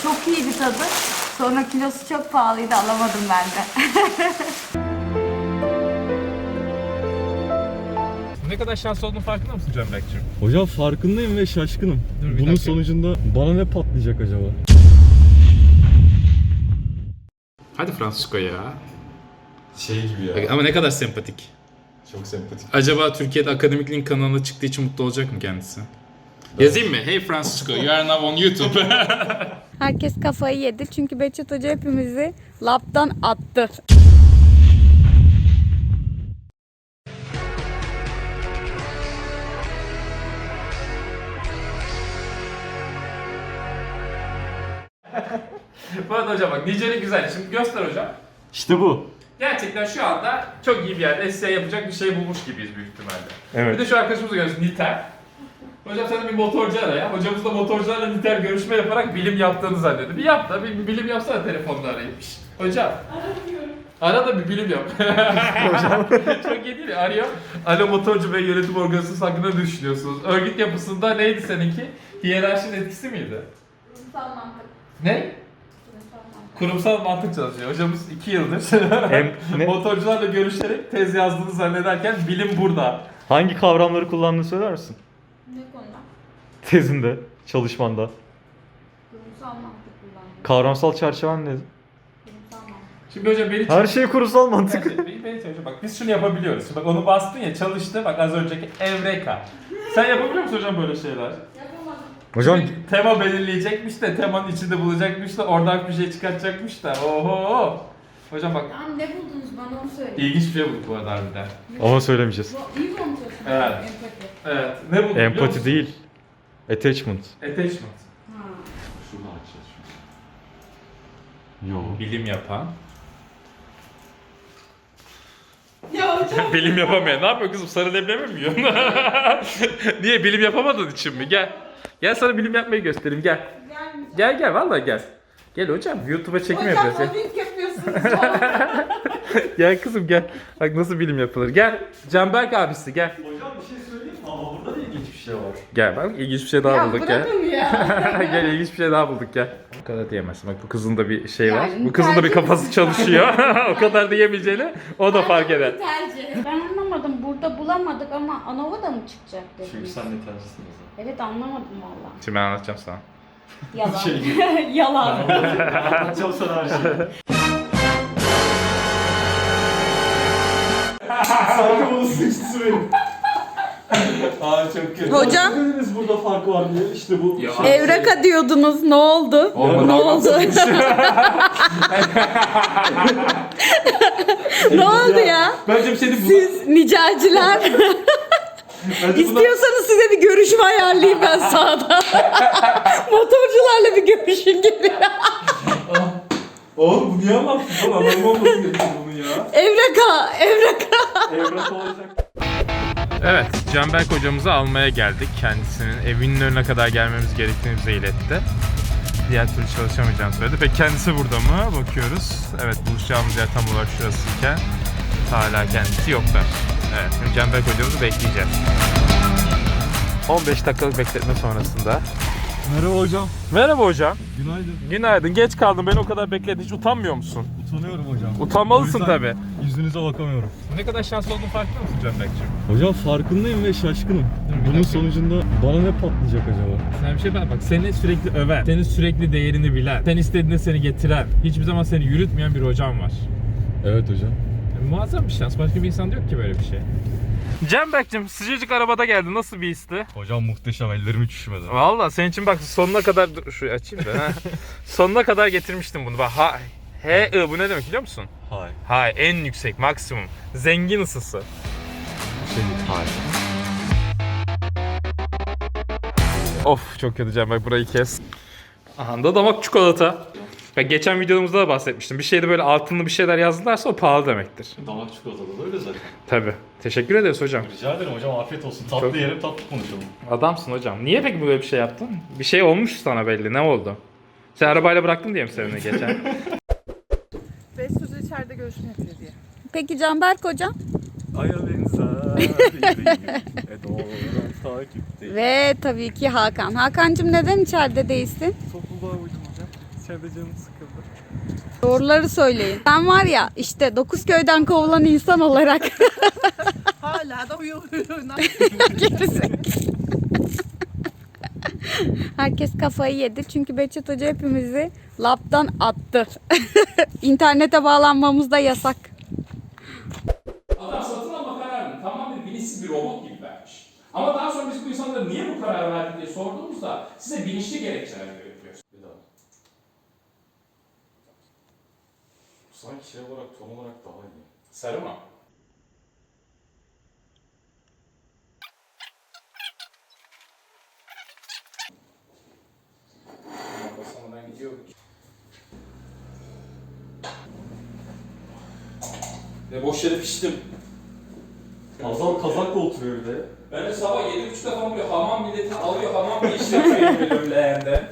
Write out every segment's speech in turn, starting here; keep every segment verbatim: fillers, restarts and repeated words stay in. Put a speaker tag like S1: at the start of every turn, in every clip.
S1: Çok iyiydi tadı. Sonra kilosu çok pahalıydı, alamadım ben de.
S2: Ne kadar şanslı olduğunun farkında mısın Canberk'cim?
S3: Hocam farkındayım ve şaşkınım.
S2: Dur, bir
S3: Bunun
S2: dakika.
S3: sonucunda bana ne patlayacak acaba?
S2: Hadi Francisco ya.
S3: Şey gibi ya.
S2: Ama ne kadar sempatik.
S3: Çok sempatik.
S2: Acaba Türkiye'de Akademik Link kanalına çıktığı için mutlu olacak mı kendisi? Yazayım mı? Hey Francisco, you are now on YouTube.
S1: Herkes kafayı yedi çünkü Behçet Hoca hepimizi laptan attı.
S2: Bu arada hocam bak Nice'nin güzel. Şimdi göster hocam.
S3: İşte bu.
S2: Gerçekten şu anda çok iyi bir yerde essay yapacak bir şey bulmuş gibiyiz büyük ihtimalle.
S3: Evet.
S2: Bir de şu arkadaşımızı görüyorsun Niter. Hocam sen de bir motorcu ara ya. Hocamız da motorcularla Niter görüşme yaparak bilim yaptığını zannediyor. Bir yap da bir, bir bilim yapsana telefonla arayıp. Şşt, hocam. Aramıyorum. Ara da bir bilim yap. Hocam. Çok iyi değil mi? Arıyor. Alo motorcu ve yönetim organizasyonu hakkında ne düşünüyorsunuz? Örgüt yapısında neydi seninki? Hiyerarşinin etkisi miydi?
S1: Kurumsal mantık.
S2: Ne? Kurumsal mantık çalışıyor. Hocamız iki yıldır
S3: Hem ne?
S2: motorcularla görüşerek tez yazdığını zannederken bilim burada.
S3: Hangi kavramları kullandığını söyler misin?
S1: Ne konuda?
S3: Tezinde, çalışmanda.
S1: Kurumsal mantık kullandım.
S3: Kavramsal çerçeven nedir?
S1: Kurumsal mantık.
S2: Şimdi hocam beni
S3: Her şey kurumsal mantık.
S2: Beni, beni, beni hocam bak biz şunu yapabiliyoruz. Şimdi bak onu bastın ya çalıştı bak az önceki Evreka. Sen yapabiliyor musun hocam böyle şeyler?
S1: Yapamadım.
S3: Hocam
S2: Şimdi tema belirleyecekmiş de temanın içinde bulacakmış da oradan bir şey çıkartacakmış da. Oho. Hocam bak
S1: Tamam, ne buldunuz bana onu söyleyin.
S2: ilginç bir şey bulduk bu arada harbiden.
S3: ama söylemeyeceğiz.
S1: Bu iyi konuşuyorsun.
S2: Evet.
S1: Empati.
S2: Evet. Ne bulduk biliyor
S3: Empati
S2: musun?
S3: değil. Attachment.
S2: Attachment.
S1: Ha.
S3: Şunu açacağız şu an. Yo.
S2: Bilim yapan.
S1: Ya hocam.
S2: Bilim yapamayan. Ne yapıyor kızım? Sarı leblebi mi yiyorsun? Niye? Bilim yapamadığın için mi? Gel. Gel sana bilim yapmayı göstereyim. Gel.
S1: Gelmeyeceğim.
S2: Gel gel vallahi gel. Gel hocam. YouTube'a çekim
S1: Hocam
S2: yapacağız. Gel.
S1: mobbing yapıyorsunuz. Falan.
S2: Gel kızım gel. Bak nasıl bilim yapılır. Gel. Canberk abisi gel.
S3: Hocam bir şey söyleyeyim mi? Ama burada da ilginç bir şey var.
S2: Gel bak ilginç bir şey daha
S1: Ya
S2: bulduk gel.
S1: bırakın ya.
S2: Gel ilginç bir şey daha bulduk gel. O kadar diyemezsin. Bak bu kızın da bir şey var.
S1: Yani
S2: Bu kızın da bir
S1: tercih-
S2: kafası çalışıyor. O kadar diyemeyeceğini o da fark eder.
S1: Tercih. Ben anlamadım. Burada bulamadık ama Anova da mı çıkacak
S3: Çünkü
S1: dediniz?
S3: sen de tercihsin o
S1: Evet, anlamadım valla.
S2: Şimdi ben anlatacağım sana.
S1: Yalan.
S3: Şey-
S1: Yalan.
S3: zaman. Anlatacağım sana her şeyi. Sanki bunun sıkıntısı benim.
S2: Aa çok kötü.
S1: Hocam.
S3: Dediniz burada fark var diye. İşte bu.
S2: Ya.
S3: şey.
S1: Evreka diyordunuz. Ne oldu?
S2: Olmadı,
S1: ne oldu? ne oldu ya?
S2: Bence bir şey değil.
S1: Siz nicelciler. İstiyorsanız size bir görüşme ayarlayayım ben sağda. Motorcularla bir görüşün gibi.
S2: Oğlum bu niye anlattın lan? Anlamı olmasın gerekiyor bunu ya.
S1: Evreka, evreka.
S3: Evrak olacak.
S2: Evet, Canberk hocamızı almaya geldik. Kendisinin evinin önüne kadar gelmemiz gerektiğini bize iletti. Diğer türlü çalışamayacağını söyledi. Peki kendisi burada mı? Bakıyoruz. Evet, buluşacağımız yer tam olarak şurasıyken hala kendisi yoklar. Evet, şimdi Canberk hocamızı bekleyeceğiz. on beş dakikalık bekletme sonrasında.
S3: Merhaba hocam.
S2: Merhaba hocam.
S3: Günaydın.
S2: Günaydın. Geç kaldın. Beni o kadar bekledin. Hiç utanmıyor musun?
S3: Utanıyorum hocam.
S2: Utanmalısın
S3: O yüzden
S2: tabii.
S3: Yüzünüze bakamıyorum.
S2: Ne kadar şanslı olduğunu farkında mısın Canberk'ciğim?
S3: Hocam farkındayım ve şaşkınım.
S2: bir
S3: Bunun
S2: dakika.
S3: sonucunda bana ne patlayacak acaba?
S2: Sen bir şey bak, bak seni sürekli öven, senin sürekli değerini bilen, sen istediğinde seni getiren, hiçbir zaman seni yürütmeyen bir hocam var.
S3: Evet hocam.
S2: Yani muazzam bir şans. Başka bir insan yok ki böyle bir şey. Canberk'cim sıcacık arabada geldin. Nasıl bir histi?
S3: Hocam muhteşem, ellerim hiç üşümedi.
S2: Valla senin için bak sonuna kadar dur şurayı açayım da. ha. Sonuna kadar getirmiştim bunu. Bak ha H I bu ne demek biliyor musun?
S3: Hay.
S2: Hay en yüksek maksimum. Zengin ısısı.
S3: Şey hay.
S2: Of çok kötü Canberk, burayı kes. Aha da damak çikolata. Ben geçen videomuzda da bahsetmiştim. Bir şeyde böyle altınlı bir şeyler yazdılarsa o pahalı demektir.
S3: Damak çikolatalı da öyle zaten.
S2: Tabii. Teşekkür ederiz hocam.
S3: Rica ederim hocam, afiyet olsun. Tatlı
S2: Çok-
S3: yerim, tatlı konuşalım.
S2: Adamsın hocam. Niye peki böyle bir şey yaptın? Bir şey olmuş sana belli. Ne oldu? Sen arabayla bıraktın diye mi seni geçen?
S4: Behçet Hoca içeride görüşme yapıyor diye.
S1: Peki Canberk hocam?
S3: Aya benzer e doğrudan takipte.
S1: Ve tabii ki Hakan. Hakan'cığım neden içeride değilsin?
S4: Topluluğa uydum hocam.
S3: içeride canım sıkıldı.
S1: Doğruları söyleyin. Ben var ya işte dokuz köyden kovulan insan olarak.
S4: Hala da uyuyor.
S1: Herkes kafayı yedi çünkü Behçet Hoca hepimizi laptan attı. İnternete bağlanmamız da yasak.
S5: Adam satın alma kararını tamamen bilinçsiz bir robot gibi vermiş. Ama daha sonra biz bu insanlara niye bu karar verdik diye sorduğumuzda size bilinçli gerekçeler veriyoruz.
S3: Bir daha. Sanki şey olarak, ton olarak daha iyi.
S5: Sarı mı? Basamadan gidiyor. Ve boş yere piştim.
S3: Azal kazakla oturuyor bir de.
S5: Ben de sabah yedi buçukta falan böyle hamam milleti alıyor, hamam bir işlem yapıyor leğende.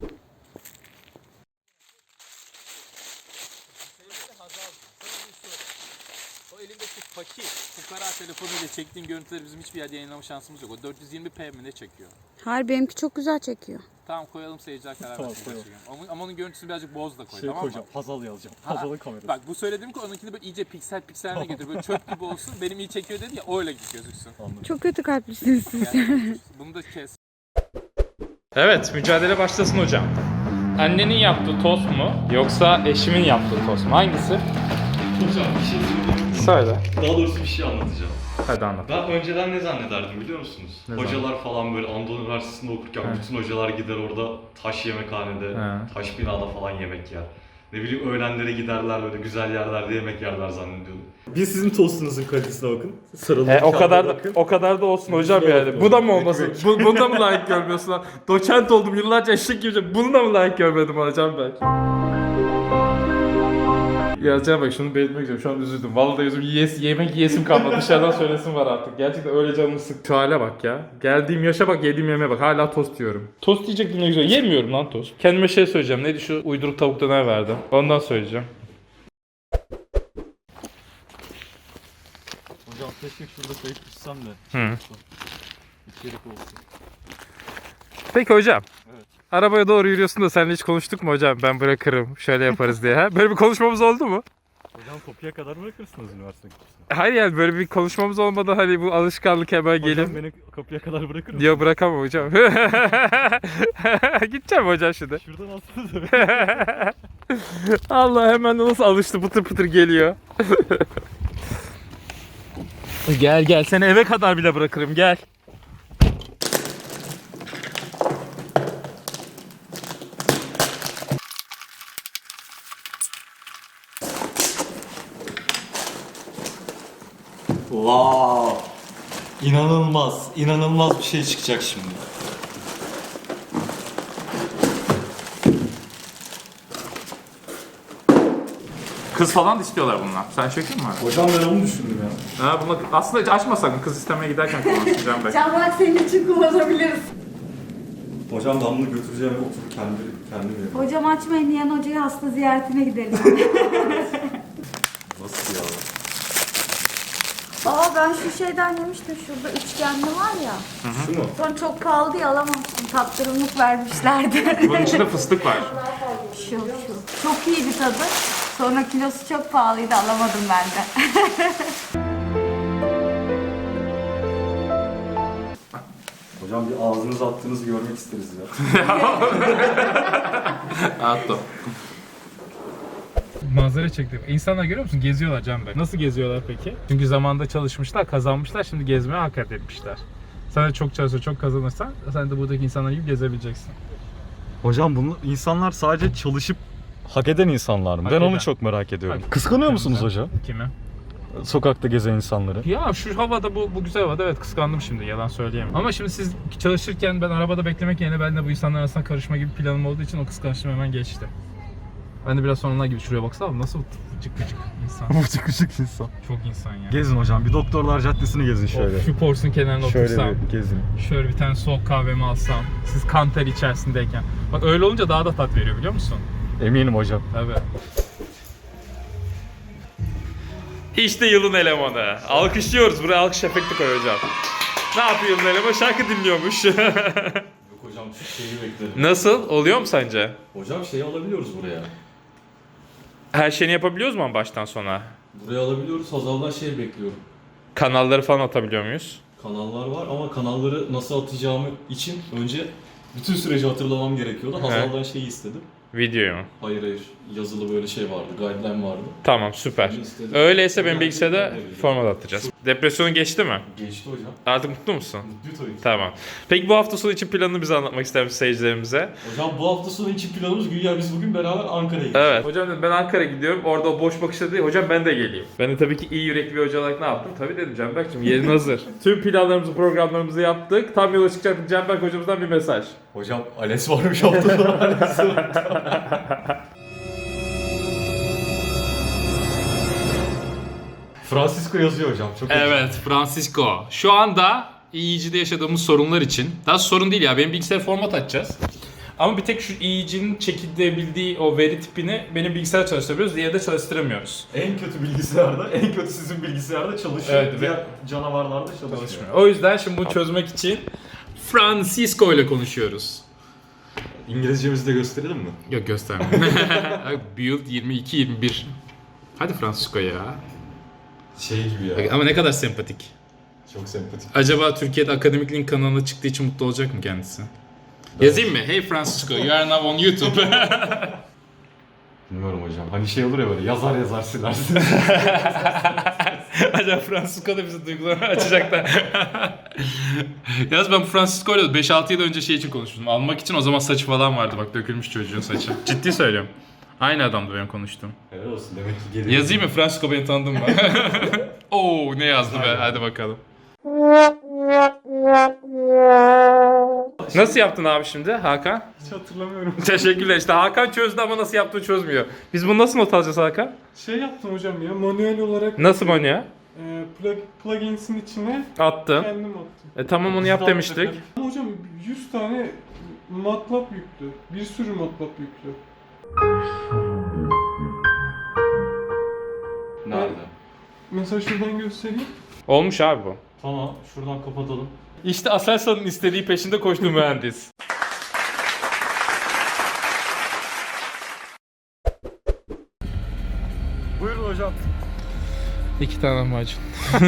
S5: O elimdeki fakir, fukara telefonuyla çektiğim görüntüleri bizim hiçbir yerde yayınlama şansımız yok. O dört yüz yirmi p mi ne çekiyor?
S1: Hayır benimki çok güzel çekiyor.
S5: Tamam koyalım seyirciler karar
S3: Tamam,
S5: versin.
S3: koyalım.
S5: Ama, ama onun görüntüsünü birazcık boz da koy
S3: Şey
S5: tamam
S3: koyacağım,
S5: mı?
S3: Hazal yazacağım.
S5: Ha,
S3: Hazal'ın kamerası.
S5: Bak bu söylediğim ki onunkini böyle iyice piksel pikseline getir. Böyle çöp gibi olsun. Benim iyi çekiyor dedi ya öyle gözüksün.
S3: Anladım.
S1: Çok kötü kalplisiniz siz.
S5: Yani, bunu da kes.
S2: Evet, mücadele başlasın hocam. Annenin yaptığı tost mu yoksa eşimin yaptığı tost mu? Hangisi?
S3: Hocam bir şey söyleyeyim.
S2: Söyle.
S3: Daha doğrusu bir şey anlatacağım.
S2: Hadi anlat.
S3: Ben önceden ne zannederdim biliyor musunuz?
S2: Ne
S3: Hocalar falan böyle Anadolu Üniversitesi'nde okurken
S2: He.
S3: bütün hocalar gider orada taş yemekhanede,
S2: He.
S3: taş binada falan yemek yer. Ne bileyim öğlenlere giderler böyle güzel yerlerde yemek yerler zannediyordum. Bir sizin tostunuzun kalitesine bakın. Sarılı
S2: E, o kadar da, o kadar da olsun hocam
S3: Güzel
S2: yani.
S3: olsun.
S2: Bu da mı olmasın?
S3: Ekmek.
S2: Bu, bunu da mı layık görmüyorsun lan? Doçent oldum yıllarca eşek gibi. Bunu da mı layık görmedim hocam ben? Yazacağım bak şunu belirtmek istiyorum. Şu an üzüldüm. Vallahi üzüldüm. Yes, yemek yiyesim kalmadı. Dışarıdan söylesim var artık. Gerçekten öyle canımı sık. Şu hale bak ya. Geldiğim yaşa bak, yediğim yemeğe bak. Hala tost yiyorum. Tost diyecektim ne güzel. Yemiyorum lan tost. Kendime şey söyleyeceğim. Neydi şu uyduruk tavuk döner verdim. Ondan söyleyeceğim.
S3: Hocam keşke şurada kayıp düşsem de.
S2: Hı.
S3: İçerik olsun.
S2: Peki hocam.
S3: Evet.
S2: Arabaya doğru yürüyorsun da seninle hiç konuştuk mu hocam? Ben bırakırım. Şöyle yaparız diye. Ha? Böyle bir konuşmamız oldu mu?
S3: Hocam kapıya kadar bırakırsınız üniversite kapısına.
S2: Hayır yani böyle bir konuşmamız olmadan hani bu alışkanlık hemen
S3: Hocam
S2: gelip...
S3: beni kapıya kadar bırakır mısın?
S2: Diyor bırakamam hocam. Gideceğim hocam şimdi.
S3: Şuradan atsanıza.
S2: Allah hemen nasıl alıştı, pıtır pıtır geliyor. Gel gel, seni eve kadar bile bırakırım, gel.
S3: Wow. İnanılmaz, inanılmaz bir şey çıkacak şimdi.
S2: Kız falan da istiyorlar bunlar. Sen çekin mi?
S3: Hocam ben onu düşündüm ya.
S2: Ha, bunu aslında hiç açma sakın, kız istemeye giderken kullanacağım ben.
S1: Çamak senin için kullanabiliriz.
S3: Hocam ben bunu götüreceğim ve oturup kendi, kendim yerim.
S1: Hocam açmayın Nihan Hoca'ya hasta ziyaretine gidelim.
S3: Nasıl ya?
S6: Aa ben şu şeyden yemiştim şurada üçgenli var ya.
S3: Şu mu?
S6: Sonra çok pahalı diye alamamıştım. Tattırımlık vermişlerdi.
S2: Bunun içinde fıstık var.
S6: şu şu. Çok iyiydi tadı. Sonra kilosu çok pahalıydı alamadım ben de.
S3: Hocam bir ağzınıza attığınızı görmek isteriz ya.
S2: Atto. Manzara çektim. İnsanlar görüyor musun? Geziyorlar Can Bey. Nasıl geziyorlar peki? Çünkü zamanında çalışmışlar, kazanmışlar. Şimdi gezmeye hak etmişler. Sen de çok çalışır, çok kazanırsan sen de buradaki insanlar gibi gezebileceksin.
S3: Hocam bunu insanlar sadece çalışıp hak eden insanlar mı?
S2: Hak
S3: ben
S2: eden.
S3: onu çok merak ediyorum.
S2: Hak-
S3: Kıskanıyor musunuz
S2: Kime?
S3: hocam?
S2: Kime?
S3: Sokakta gezen insanları.
S2: Ya şu havada, bu, bu güzel havada evet kıskandım şimdi, yalan söyleyemem. Ama şimdi siz çalışırken ben arabada beklemek yerine ben de bu insanlar arasında karışma gibi planım olduğu için o kıskançlığım hemen geçti. Ben de biraz sonra onlar gibi şuraya baksana nasıl vıcık vıcık insan.
S3: Vıcık vıcık insan.
S2: Çok insan ya.
S3: Gezin hocam. Bir Doktorlar Caddesi'ni gezin şöyle.
S2: Of, şu porsun kenarına
S3: Şöyle
S2: otursam.
S3: bir gezin.
S2: Şöyle bir tane soğuk kahvemi alsam. Siz kan ter içerisindeyken. Bak öyle olunca daha da tat veriyor biliyor musun?
S3: Eminim hocam.
S2: Tabii. İşte yılın elemanı. Alkışlıyoruz. Buraya alkış efekti koy hocam. Ne yapıyor yılın elemanı? Şarkı dinliyormuş.
S3: Yok hocam şu şeyi bekledim.
S2: Nasıl? Oluyor mu sence?
S3: Hocam şeyi alabiliyoruz buraya.
S2: Her şeyini yapabiliyoruz mu ama baştan sona?
S3: Buraya alabiliyoruz. Hazal'dan şey bekliyorum.
S2: Kanalları falan atabiliyor muyuz?
S3: Kanallar var ama kanalları nasıl atacağımı için önce bütün süreci hatırlamam gerekiyordu. Hazal'dan şeyi istedim.
S2: Videoyu mu?
S3: Hayır hayır. Yazılı böyle şey vardı. Guideline vardı.
S2: Tamam, süper.
S3: Onu istedim.
S2: Öyleyse benim
S3: Yani
S2: bilgisayarda
S3: ben de biliyorum.
S2: format atacağız. Depresyonun geçti mi?
S3: Geçti hocam.
S2: Artık mutlu musun?
S3: Mutluyum tabii ki.
S2: Tamam. Peki bu hafta sonu için planını bize anlatmak ister misin seyircilerimize?
S3: Hocam bu hafta sonu için planımız güya biz bugün beraber Ankara'ya gideceğiz.
S2: Evet. Hocam dedim ben Ankara'ya gidiyorum. Orada o boş bakışta değil. Hocam ben de geleyim. Ben de tabii ki iyi yürekli bir hoca olarak ne yaptım? Tabii dedim Canberk'cim yerin hazır. Tüm planlarımızı, programlarımızı yaptık. Tam yola çıkacaktık. Canberk hocamızdan bir mesaj.
S3: Hocam Ales varmış hafta sonu Ales var. Francisco yazıyor hocam. Çok
S5: Evet, Francisco. Şu anda E E G'de yaşadığımız sorunlar için, daha sorun değil ya, benim bilgisayar format açacağız. Ama bir tek şu E E G'nin çekilebildiği o veri tipini benim bilgisayar çalıştırabiliyoruz, diğeri de çalıştıramıyoruz.
S3: En kötü bilgisayarda, en kötü sizin bilgisayarda çalışıyor.
S2: Evet,
S3: Diğer canavarlarda çalışmıyor.
S2: Çalışmıyor.
S5: O yüzden şimdi bunu çözmek için Francisco ile konuşuyoruz.
S3: İngilizcemizi de gösterelim mi?
S5: Yok, gösterme. Build yirmi iki yirmi bir. Hadi Francisco ya.
S3: Şey gibi ya.
S5: Ama ne kadar sempatik.
S3: Çok sempatik.
S5: Acaba Türkiye'de Akademik Link kanalına çıktığı için mutlu olacak mı kendisi? Yazayım mı? Hey Francisco, you are now on YouTube.
S3: Bilmiyorum hocam. Hani şey olur ya böyle yazar yazar silersin.
S5: Acaba Francisco da bize duygularını açacak da. Yalnız ben bu Francisco ile beş altı yıl önce şey için konuştum. Almak için o zaman saçı falan vardı, bak dökülmüş çocuğun saçı. Ciddi söylüyorum. Aynı adamdı benim konuştuğum.
S3: Helal olsun demek ki geliyor.
S5: Yazayım mı? Francisco beni tanıdın mı? Oo, ne yazdı be? Hadi bakalım.
S2: Nasıl yaptın abi şimdi Hakan?
S7: Hiç hatırlamıyorum.
S2: Teşekkürler. İşte Hakan çözdü ama nasıl yaptığını çözmüyor. Biz bunu nasıl not alacağız Hakan?
S7: Şey yaptım hocam ya, manuel olarak
S2: Nasıl manuel?
S7: e, plug, plugins'in içine
S2: Attın.
S7: kendim attım.
S2: E tamam onu yap demiştik.
S7: Ama hocam yüz tane MATLAB yüklü. Bir sürü MATLAB yüklü.
S3: Nerede?
S7: Mesela şuradan göstereyim.
S2: Olmuş abi bu.
S3: Tamam şuradan kapatalım.
S2: İşte Aselsan'ın istediği peşinde koştu mühendis.
S7: Buyurun hocam.
S2: İki tane macun.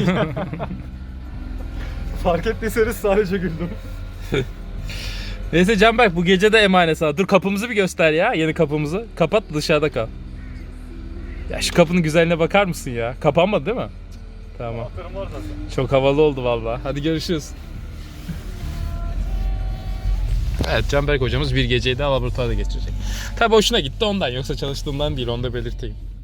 S7: Fark ettiyseniz sadece güldüm.
S2: Neyse Canberk bu gece de emanet sana. Dur kapımızı bir göster ya, yeni kapımızı. Kapat dışarıda kal. Ya şu kapının güzelliğine bakar mısın ya? Kapanmadı değil mi? Tamam.
S7: Var zaten.
S2: Çok havalı oldu vallahi. Hadi görüşürüz. Evet, Canberk hocamız bir geceyi daha laboratuvarda geçirecek. Tabii hoşuna gitti ondan, yoksa çalıştığından değil, onu da belirteyim.